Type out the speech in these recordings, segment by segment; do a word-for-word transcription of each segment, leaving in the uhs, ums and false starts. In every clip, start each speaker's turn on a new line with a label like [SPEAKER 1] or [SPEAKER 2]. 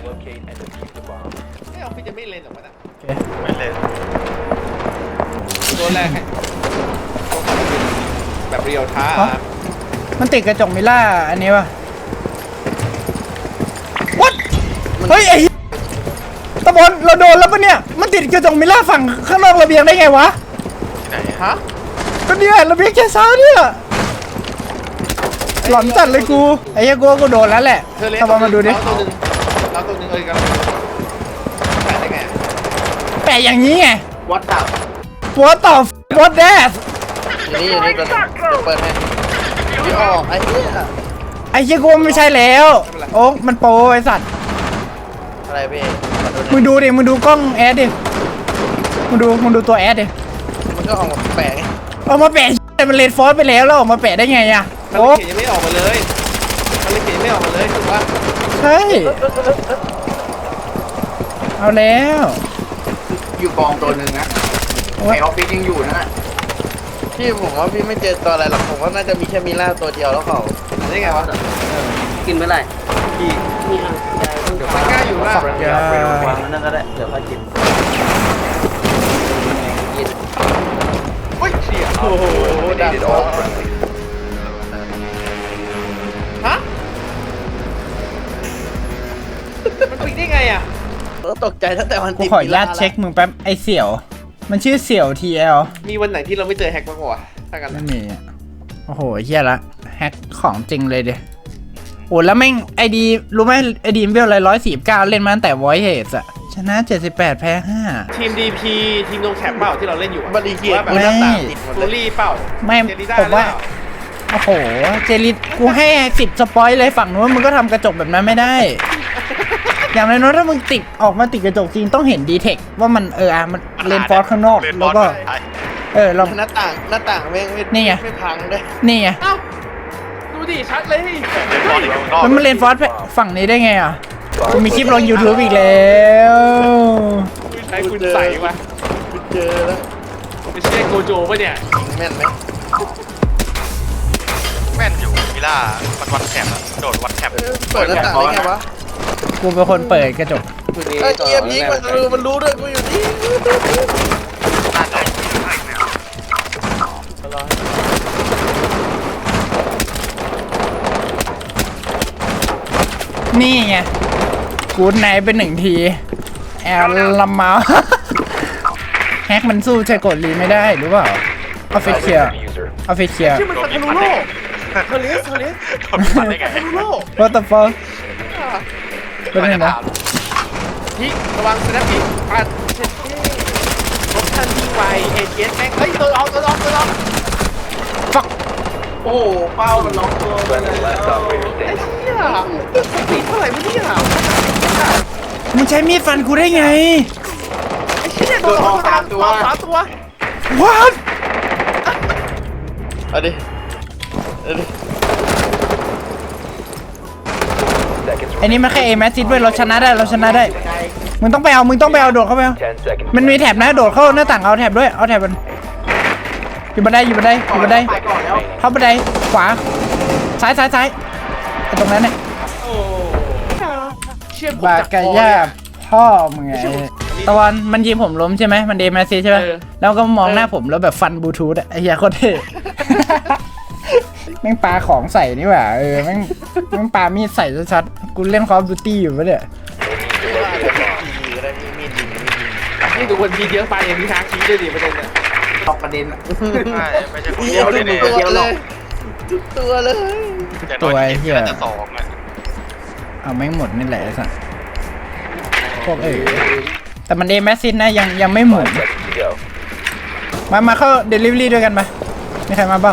[SPEAKER 1] ไม่เอาพี่จะไม่เล่นหรอกมันอ่ะ
[SPEAKER 2] ไม่เล่น
[SPEAKER 1] ตัวแรกให้แบบเรียวท้า
[SPEAKER 3] มันติดกระจกมิล่าอันนี้ป่ะ What เฮ้ยไอ้ตะบนเราโดนแล้วปะเนี่ยมันติดกระจกมิล่าฝั่งข้างนอกระเบียงได้ไงวะ
[SPEAKER 2] ไหน
[SPEAKER 1] ฮะ
[SPEAKER 3] ก็เนี่ยระเบียงแค่เช้าเนี่ยหลอนจัดเลยกูไอ้เหี้ยกูก็โดนแล้วแหละ
[SPEAKER 1] เธอเล่น
[SPEAKER 3] ตะบนมาดูดิ
[SPEAKER 1] เราตัวหนึ่งเราตัวหนึ่งเอ้ยกันแปะได้ไง
[SPEAKER 3] แปะอย่างนี้ไง
[SPEAKER 1] วัดดับ
[SPEAKER 3] What the What that
[SPEAKER 4] อยู่นี่อยู่นี่ตัวนึงเดี๋ยวเปิดให้พี่ออกไอ้เหี้ย
[SPEAKER 3] ไอ้เหี้ยกูไม่ใช่แล้วโอ๊กมันโปรไอ้สัตว์
[SPEAKER 4] อะไรพี่ขอโทษ
[SPEAKER 3] มึงดูดิมึงดูกล้องแอดดิมึงดูมึงดูตัวแอดดิ
[SPEAKER 4] มันก็ออกมาแปลกไง
[SPEAKER 3] เอามาแปะแต่มันเลนฟอสไปแล้วแล้วออกมาแปะได้ไงอะ
[SPEAKER 1] มัน
[SPEAKER 3] โอ๊ก
[SPEAKER 1] เขียนยังไม่ออกมาเลยมันเขียนยังไม่ออกมาเลยถูกปะ
[SPEAKER 3] ใช่เอาแล้ว
[SPEAKER 5] อยู่กองตัวหนึ่งนะไอออฟฟิศยังอยู่นะ
[SPEAKER 4] พี่ผมว่าพี่ไม่เจอตัวอะไรหรอกผมว่าน่าจะมีแค่มิล่าตัวเดียวแล้วเขา
[SPEAKER 1] ได้ไงวะ
[SPEAKER 5] กินเมื่อไหร่
[SPEAKER 1] พี่
[SPEAKER 5] นี่อ่ะยายเพิ่ง
[SPEAKER 1] เดี๋ยวมันกล้าอยู่ล่ะ
[SPEAKER 3] อย่าว
[SPEAKER 5] างมันนั่นก็ได้เดี๋ยวค่อยกิน
[SPEAKER 1] เฮ้ยเชี่ย
[SPEAKER 4] โอ้โหดักคอ
[SPEAKER 1] ฮะมันปิดได้ไงอ่ะ
[SPEAKER 4] แล้วตกใจตั้งแต่วัน
[SPEAKER 3] กู
[SPEAKER 4] ติด
[SPEAKER 3] ขออนุญาตเช็คมึงแป๊บไอเสี่ยว มันชื่อเสี่ยว ที แอล
[SPEAKER 1] มีวันไหนที่เราไม่เจอแฮกบ้างวะถ้ากัน
[SPEAKER 3] ไม่มีอะโอ้โหเฮียละแฮกของจริงเลยเดียโอ้แล้วแม่งไอดีรู้ไหมไอดีเวลอะไรร้อยสี่สิบเก้าเล่นมาตั้งแต่วอยเฮดอะชนะเจ็ดสิบแปดแพ้ห้า
[SPEAKER 1] ทีม ดี พี ทีมโนแคปเปล่าที่เราเล่นอยู่อะ
[SPEAKER 4] บริเกียร
[SPEAKER 1] ว่าแบบ
[SPEAKER 4] กูหน้าต่างติดหมด
[SPEAKER 1] โร
[SPEAKER 4] เลย
[SPEAKER 1] ลี่เปล่า
[SPEAKER 3] ไม่
[SPEAKER 1] เจลิด้า
[SPEAKER 3] ผมว่า
[SPEAKER 1] หรือเปล่
[SPEAKER 3] โอ้โหเจลิตกูให้สิบสปอยเลยฝั่งนู้นมึงก็ทำกระจกแบบนั้นไม่ได้ อย่างน้อยๆถ้ามึงติดออกมาติดกระจกจริงต้องเห็นดีเทคว่ามันเอออ่ะมันเลนฟอร์ข้างนอก
[SPEAKER 2] เล่นบ
[SPEAKER 3] แล้
[SPEAKER 2] อ
[SPEAKER 3] ว
[SPEAKER 2] ล
[SPEAKER 3] ก็
[SPEAKER 2] ใช่
[SPEAKER 3] เออเรา
[SPEAKER 4] หน้าต่างหน้าต่างแม่งไม่
[SPEAKER 3] นี่ไง
[SPEAKER 4] ไม่พังด้วย
[SPEAKER 3] นี่ไง
[SPEAKER 1] เอ้าดูดิชัดเลย
[SPEAKER 2] เล่นบอลอยู่ข้างนอก
[SPEAKER 3] แล้วมันเลนฟอร์ฝั่งนี้ได้ไงอ่ะกูมีคลิปลง YouTube อีกแล้ว
[SPEAKER 1] ไอ้คุณใส่วะ
[SPEAKER 4] กูเจอแล้ว
[SPEAKER 1] ไม่ใช่โกโจปะเนี่ย
[SPEAKER 4] แม่นไหม
[SPEAKER 2] แม่นอยู่มิล่ามันวัดแคปอะโดดวัดแคป
[SPEAKER 4] เออเปิดหน้าต่างได้ไงวะ
[SPEAKER 3] กูเป็นคนเปิดกระจก
[SPEAKER 4] ไอ้เกียร์พีกมันรู้มันรู้ด้วยกูอยู่นี่
[SPEAKER 2] น่าจะ
[SPEAKER 3] นี่ไงกูดไนท์เป็นหนึ่งทีแอลลัมมาแฮกมันสู้ใช้กดรีไม่ได้หรือเปล่าออฟฟิเชียลออฟฟิเชียล
[SPEAKER 1] ชื่อมันคานูโร่เฮลิสเฮลิส
[SPEAKER 2] โดนพันได้ไง
[SPEAKER 1] คานูโร่
[SPEAKER 3] What the fuck เป็นไงนะ
[SPEAKER 1] พี่ระวังสแนปปี้ปัดเช็ดเท่รถทันทีไวเอเจนแม่งเฮ้ยตัวออกตัวออกตัวออก
[SPEAKER 3] fuck
[SPEAKER 5] โอ้โหเป้ามันล็อกตัวไปแล้ว
[SPEAKER 1] ไอ้เหี้ยสปีดเท่าไหร่วะเนี่ย
[SPEAKER 3] มึงใช้มีดฟันกูได้ไง
[SPEAKER 1] ไอ้เหี้ยโดนออกสามตัวสามตัว
[SPEAKER 3] What
[SPEAKER 4] เอาดิเอาดิ
[SPEAKER 3] ไอ้นี่มันแค่เอแมสซิดเว้ยเราชนะได้เราชนะได้มึงต้องไปเอามึงต้องไปเอาโดดเข้าไปเอามันมีแถบนะโดดเข้าหน้าต่างเอาแถบด้วยเอาแถบมันอยู่บันไดอยู่บันไดอยู่บันได
[SPEAKER 5] ไปก่อนแล้ว
[SPEAKER 3] เข้าบันไดขวาซ้ายซ้ายซ้ายไอ้ตรงนั้นเนี่ย
[SPEAKER 1] โอ้เชี่ย
[SPEAKER 3] บากาย่าพ่อมึงไงตะวันมันยิงผมล้มใช่ไหมมันเดมาซีใช่ไหมแล้วก็มองหน้าผมแล้วแบบฟันบลูทูธอะไอ้เหี้ยโคตรเท่ แม่งปาของใส่นี่หว่าเออแม่งแม่งปามีดใส่ชัดๆกูเล่นคอฟดูตี้อยู่ปะเนี่ย
[SPEAKER 4] มีอะไรมีมีดยิงมีดยิง
[SPEAKER 1] นี่ดูคนทีเยอะไปอย่างนี้ทางชี้ด้วยดิประเด็นเนี่ย
[SPEAKER 5] ตอกประเด็น
[SPEAKER 2] ไม่ไม่ใช่คน
[SPEAKER 4] มี
[SPEAKER 2] เดียว
[SPEAKER 4] ทุ
[SPEAKER 2] เลย
[SPEAKER 4] ก
[SPEAKER 2] เนี่ย
[SPEAKER 4] ตัวเลยทุกตัวเลย
[SPEAKER 2] อย่างน้อยเกมน่าจะสองอะ
[SPEAKER 3] เอาแม่งหมดนี่แหละไอ้สัสพวกเออแต่มันเดแมสซินนะยังยังไม่หมุนมามาเข้าเดลิเวอรี่ด้วยกันไหมมีใครมาบ้าง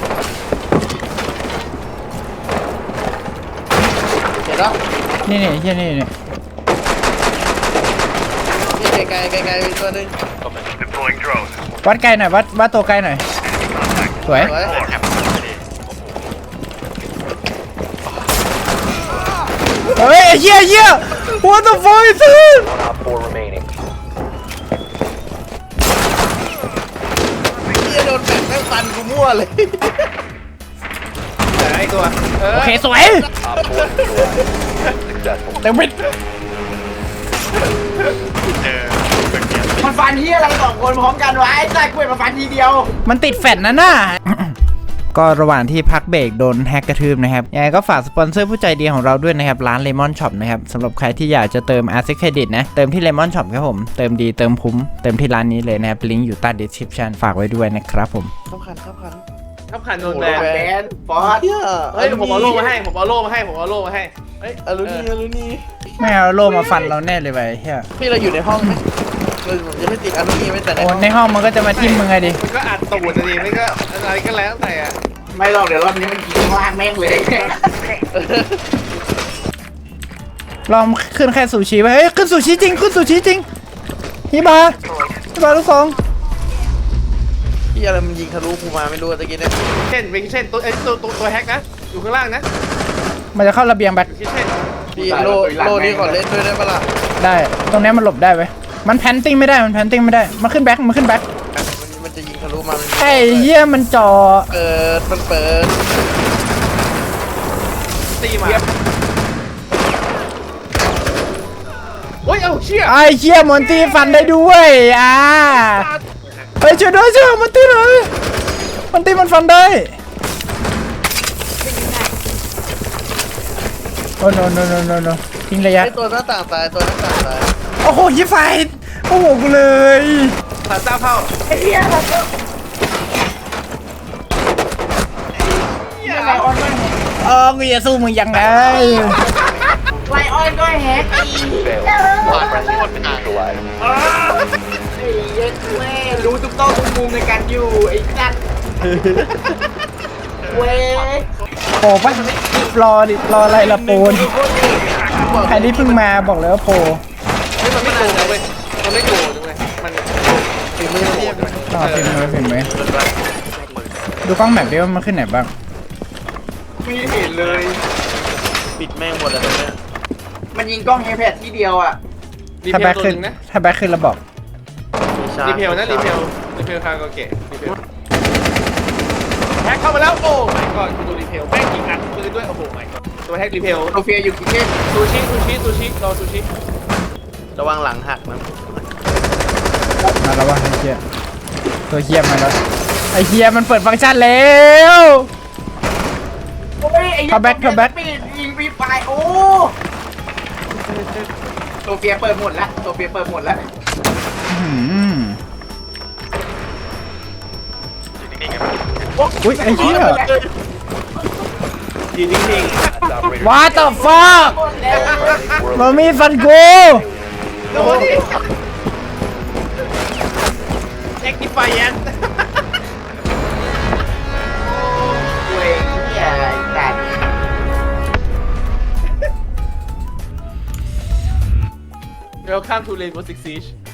[SPEAKER 4] เห็นแล้ว
[SPEAKER 3] นี่นี่ที่นี่นี่
[SPEAKER 4] นี่ไกลไกลไกลมีตัวหนึง
[SPEAKER 3] วัดไกลหน่อยวัดวัดตัวไกลหน่อยสวย
[SPEAKER 4] สวย
[SPEAKER 2] แคปไม่ดี
[SPEAKER 3] เฮ้ยเหี้ยเหี้ย what the fuck is this
[SPEAKER 4] เฮียโดนแบกแม่งฟันกูมั่วเลย
[SPEAKER 1] ไอ้ตัวเออ
[SPEAKER 3] โอเคสวยเต็มวิด
[SPEAKER 5] นที่อะไรสองคนพร้อมกันวะไอ้สัตว์กูเห็นมาฟันทีเดียว
[SPEAKER 3] มันติดแฟลชนะน่ะ ก็ระหว่างที่พักเบรกโดนแฮกกระทืบนะครับยังไงก็ฝากสปอนเซอร์ผู้ใจดีของเราด้วยนะครับร้าน Lemon Shop นะครับสำหรับใครที่อยากจะเติม Asset Credit นะเติมที่ Lemon Shop ครับผมเติมดีเติมคุ้มเติมที่ร้านนี้เลยนะครับลิงก์อยู่ใต้ description ฝากไว้ด้วยนะครับผม
[SPEAKER 4] ข้ามขันข้ามขัน
[SPEAKER 1] ขับขันโดน
[SPEAKER 5] โด
[SPEAKER 1] แบ
[SPEAKER 5] น
[SPEAKER 1] น
[SPEAKER 5] แบนฟอส
[SPEAKER 4] เฮีย
[SPEAKER 1] เฮ้ยผมเอาโล่มาให้ผมเอาโล่มาให้ผมเอาโล่มาให้เฮ้ย
[SPEAKER 4] อลูนี่อลูนี่
[SPEAKER 3] ไม่เอาโล่มาฟันเราแน่เลยไปเฮีย
[SPEAKER 4] พี่เราอยู่ในห้องไหมเราผมจะไม่ติดอลูนี่ไม่แต่ใน
[SPEAKER 3] โอ้
[SPEAKER 4] ห้อง
[SPEAKER 3] ในห้องมันก็จะมาทิ่มมึงไงดิ
[SPEAKER 1] มันก็อัดตูดจะดีไม่ก็อะไรก็แล้วแต่อะ
[SPEAKER 5] ไม่หรอกเดี๋ยวรอบนี้มันยิงล่างแม่งเลย
[SPEAKER 3] ลองขึ้นแค่ซูชิไปเฮ้ยขึ้นซูชิจริงขึ้นซูชิจริงฮิบาฮิบาลูกสอง
[SPEAKER 4] พี่อะไรมันยิงทะลุกูมาไม่รู้ตะกี้เนี่ย
[SPEAKER 1] เช่นเป็นเช่นตัวไอ้ตัวตัวตัวแฮกนะอยู่ข้างล่างนะ
[SPEAKER 3] มันจะเข้าระเบียงแบ็ค
[SPEAKER 1] อยู่ที่เช่น
[SPEAKER 4] พี่โลโลนี้ก่อนเล่นด้วยได้ปะล่ะ
[SPEAKER 3] ได้ตรงเนี้ยมันหลบได้เว้ยมันแพนติ้งไม่ได้มันแพนติ้งไม่ได้มันขึ้นแบ็คมันขึ้นแบ็ค
[SPEAKER 4] มันมันจะยิงทะลุมามัน
[SPEAKER 3] ไอ้เหี้ยมันจ่อ
[SPEAKER 4] เปิดมันเปิด
[SPEAKER 1] ตีมาโอ้ยเอาเชี่ย
[SPEAKER 3] ไอ้เหี้ยมอนตี้ฟันได้ด้วยอ่าเฮ้ยช่วยด้วยช่วยมอนตี้หน่อยมอนตี้มันฟันได้โอ้ no no no no no ทิ้งระยะ
[SPEAKER 4] ไอตัวหน้าต่างตายตัวหน้าต่างตาย
[SPEAKER 3] โอ้โหยิบไฟโอ้โหกูเลย
[SPEAKER 1] ผ่านเจ้าเข้า
[SPEAKER 5] ไอ้เหี้ยเราก็
[SPEAKER 1] เหี้ย
[SPEAKER 5] ไลออนก็แฮก
[SPEAKER 3] เออกูจะสู้มึงยังไง
[SPEAKER 5] ไลออนก็แฮกอีก
[SPEAKER 2] ผ่านไปโคตรนาน
[SPEAKER 5] ไอ้เหี้ยแม่รู้ทุกต้องทุกมุมในการอยู่ไอ้สัตว์เว้ย
[SPEAKER 3] โปปะรอดิรออะไรละโปนใครที่เพิ่งมาบอกเลยว่าโป
[SPEAKER 1] เฮ้ยมันไม่โกงเลยมันไม่โกงเลยมัน
[SPEAKER 4] ฝีมือเทียบ
[SPEAKER 3] รอพิมพ์เลยพิมพ์เลยดูกล้องแบบดิว่ามันขึ้นไหนบ้าง
[SPEAKER 5] ไม่เห็นเลย
[SPEAKER 4] ปิดแม่งหมดเลยตรงเนี้ย
[SPEAKER 5] มันยิงกล้องเอแพดที่เดียวอ่ะ
[SPEAKER 1] รี
[SPEAKER 3] ถ้า
[SPEAKER 1] เพ
[SPEAKER 3] แบ็
[SPEAKER 1] ล
[SPEAKER 3] ค
[SPEAKER 1] ตัว
[SPEAKER 3] ขึ้น
[SPEAKER 1] นึงนะ
[SPEAKER 3] ถ้าแบ็คขึ้นแล้วบอก
[SPEAKER 1] รีเพลนะรีเพลรีเพลคาโกเกะรีเพลแฮกเข้ามาแล้วโอ้ my god คุณดูรีเพลแม่งยิงอัดปืนด้วยโอ้โห my god ตัวแฮกรีเพล
[SPEAKER 5] โซเฟียอยู่กินเก้น
[SPEAKER 1] ซูชิซูชิซูชิรอซูชิ
[SPEAKER 4] ระวังหลังหักนะ
[SPEAKER 3] มาแล้ววะไอ้เหี้ยตัวเหี้ยมาแล้วไอ้เหี้ยมันเปิดฟังก์ชันแล้ว
[SPEAKER 5] โอ้ยไอ้
[SPEAKER 3] เข้าแบ็คเข้าแบ็ค
[SPEAKER 5] ปิดยิงฟรีไฟโอ้โซเฟียเปิดหมดแล้วโซเฟียเปิดหมดแล้ว
[SPEAKER 3] อื้อหือ
[SPEAKER 2] อยู่นิ่งๆกัน
[SPEAKER 3] อุ้ยไอ้เหี้ย
[SPEAKER 1] ยืนนิ่ง
[SPEAKER 3] What the fuck มามีฟันกู
[SPEAKER 1] ๆโดนดิแอคติฟไฟแอน
[SPEAKER 5] เว้ยเหี้ยไอ้สัตว์
[SPEAKER 1] Welcome to Rainbow Six Siege